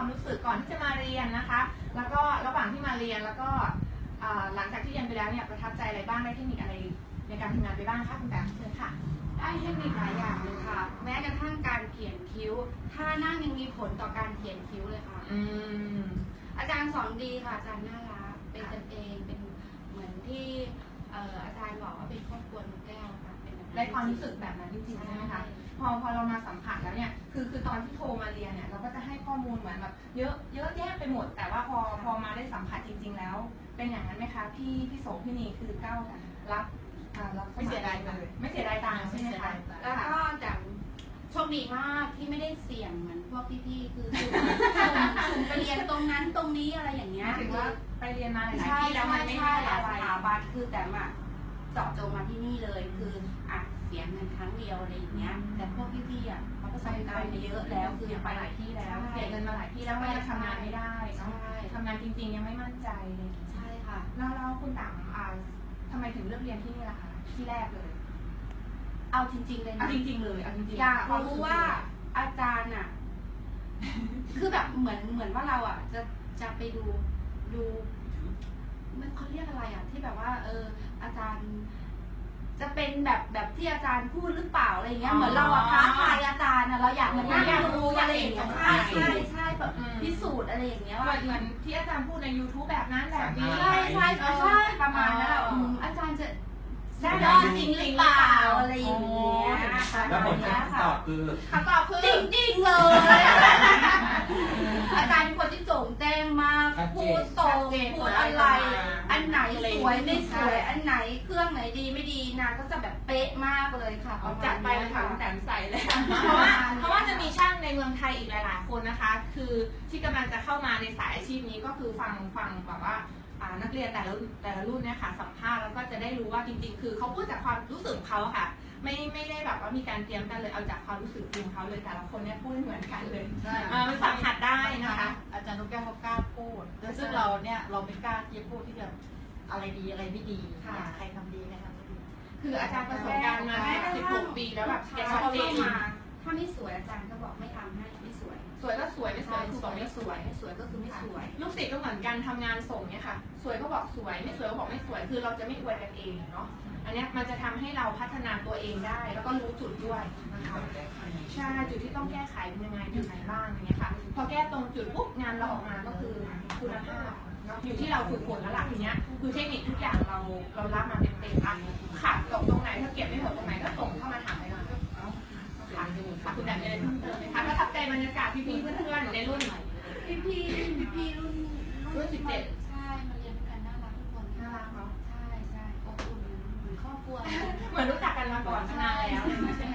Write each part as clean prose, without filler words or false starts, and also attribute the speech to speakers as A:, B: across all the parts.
A: ความรู้สึกก่อนที่จะมาเรียนนะคะ แล้วก็ระหว่างที่มาเรียนแล้วก็หลังจากที่เรียนไปแล้วเนี่ยประทับใจอะไรบ้างได้เทคนิคอะไรในการทำงานไปบ้างคะคุณแตมเชิญค่ะ
B: ได้เทคนิคหลายอย่างเลยค่ะแม้กระทั่งการเขียนคิ้วท่านั่งยังมีผลต่อการเขียนคิ้วเลยค่ะอาจารย์สอนดีค่ะอาจารย์น่ารักเป็นกันเองเป็นเหมือนที่อาจารย์บอกว่าเป็นครอบครัวนกแก้วค่ะ
A: ได้ความรู้สึกแบบนั้นจริงๆใช่ไหมคะพอเรามาสัมผัสแล้วเนี่ยคือตอนที่โทรมาเรียนเนี่ยเราก็จะให้ข้อมูลเหมือนแบบเยอะแยะไปหมดแต่ว่าพอมาได้สัมผัสจริงๆแล้วเป็นอย่างนั้นไหมคะพี่โสพี่นีคือก้าวรับ
C: ไม่เสียดายเลย
A: ไม่เสียดายตังค์ใช่ไหมคะ
B: แล้วก็จากโชคดีมากที่ไม่ได้เสี่ยงเหมือนพวกพี่ๆคือสุ่มไปเรียนตรงนั้นตรงนี้อะไรอย่างเงี้ย
A: ถือว่าไปเรียนมาหลายที่แล้วมันไม่ได้
B: หลายสถาบันคือแต่เจาะจงมาที่นี่เลยคือเสียเงินครั้งเดียวอะไรอย่างเงี้ยแต่พวกพี่ๆเขาประสบการณ์มาเยอะแล้วคือ
A: ไปหลายที่แล้วเสียเงินมาหลายที่แล้วก็ยังทำงานไม่ได้ทำงานจริงๆยังไม่มั่นใจเลย
B: ใช่ค่ะ
A: แล้วคุณต่างทำไมถึงเลือกเรียนที่นี่ล่ะคะที่แรกเลย
B: เอาจริงๆเลยนะ
A: จริงๆเลยเอาจริงๆ
B: อยากรู้ว่าอาจารย์คือแบบเหมือนว่าเราจะไปดูมันเขาเรียกอะไรที่แบบว่าอาจารย์จะเป็นแบบที่อาจารย์พูดหรือเปล่าอะไรเงี้ยเหมือนเราท้าทายอาจารย์เราอยากมานั่งดูอะไรอย่างเงี้ยใช่แบบพิสูจน์อะไรอย่างเงี้ยว่า
A: เหมือนที่อาจารย์พูดใน YouTube แบบนั้นแบบนี้
B: ใช่ประมาณนั้นอาจารย์จะได้ยอดจริงหรือเปล่าอะไรอย่างเงี้ย
C: แล้วผลการตอบคือ
B: จริงเลยอาจารย์เป็นคนที่โจ่งแจ้งมากพูดตรงพูดอะไรอันไหนสวยไม่สวยอันไหนเครื่องไหนดีไม่ดีนางก็จะแบบเป๊ะมากเลยค่ะ
A: จัดไปเลยค่ะแต่ใส่เลยเพราะว่าจะมีช่างในเมืองไทยอีกหลายๆคนนะคะคือที่กำลังจะเข้ามาในสายอาชีพนี้ก็คือฟังแบบว่านักเรียนแต่ละรุ่นเนี่ยค่ะสัมภาษณ์แล้วก็จะได้รู้ว่าจริงๆคือเขาพูดจากความรู้สึกเขาค่ะไม่ได้แบบว่ามีการเตรียมกันเลยเอาจากความรู้สึกจริงเขาเลยแต่ละคนเนี่ยพูดเหมือนกันเลยมันสัมผัสได้นะคะ
C: อาจารย์นกแก้วเขากล้าพูดแล้วซึ่งเราเนี่ยเราไม่กล้าที่จะพูดที่จะอะไรดีอะไรไม่ดีใครทำดีใครทำไม่ดี
A: คืออาจารย์ประสบการณ์มา16 ปีแล้วแบบแกชัดเจน
B: ถ้าไม่สวยอาจารย์ก็บอกไม่ทำให้ไม่สวย
A: สวยก็สวยไม่สวยคือบอกไม่สวย
B: ไม่สวยก็คือไม่สวย
A: ลูกศิษย์ก็เหมือนกันทำงานส่งเนี่ยค่ะสวยก็บอกสวยไม่สวยก็บอกไม่สวยคือเราจะไม่อวยกันเองเนาะอันนี้มันจะทำให้เราพัฒนาตัวเองได้แล้วก็รู้จุดด้วยนะคะใช่จุดที่ต้องแก้ไขเป็นยังไงจุดไหนบ้างอย่างเงี้ยค่ะพอแก้ตรงจุดปุ๊บงานเราออกมาก็คือคุณภาพอยู่ที่เราฝึกฝนแล้วล่ะทีเนี้ยคือเทคนิคทุกอย่างเรารับมาเต็มๆขาดตรงไหนถ้าเก็บไม่หมดตรงไหนก็ส่งเข้ามาถามได้เลยคุณแต่เลยค่ะประทับใจบรรยากาศพี่ๆเพื่อนๆในรุ่น
B: พี่รุ่น
A: 17
B: ใช่มาเรียนกันน่ารักทุกคน
A: น่ารักเนาะ
B: ใช่อบอุ่นเหมือนครอบครัว
A: เหมือนรู้จักกันมาก่อนนานแล้วใช่ไหม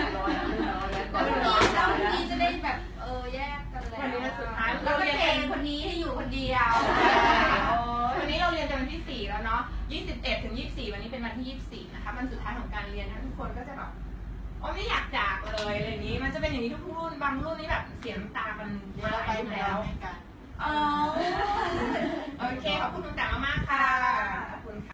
B: แล้วนี้จะได้แบบแยกกันแล้ว
A: วันนี้สุดท้าย
B: เราเรียนคนนี้ให้อยู่คนเดียว
A: วันนี้เราเรียนกันวันที่4แล้วเนาะ21 ถึง 24วันนี้เป็นวันที่24นะคะวันสุดท้ายของการเรียนนะทุกคนก็จะแบบไม่อยากจากเลยอะไรนี้มันจะเป็นอย่างนี้ทุกรุ่นบางรุ่นนี่แบบเสียน้ำตากันมาไปแล้วโอเคขอบคุณคุณแต่มากๆค่ะ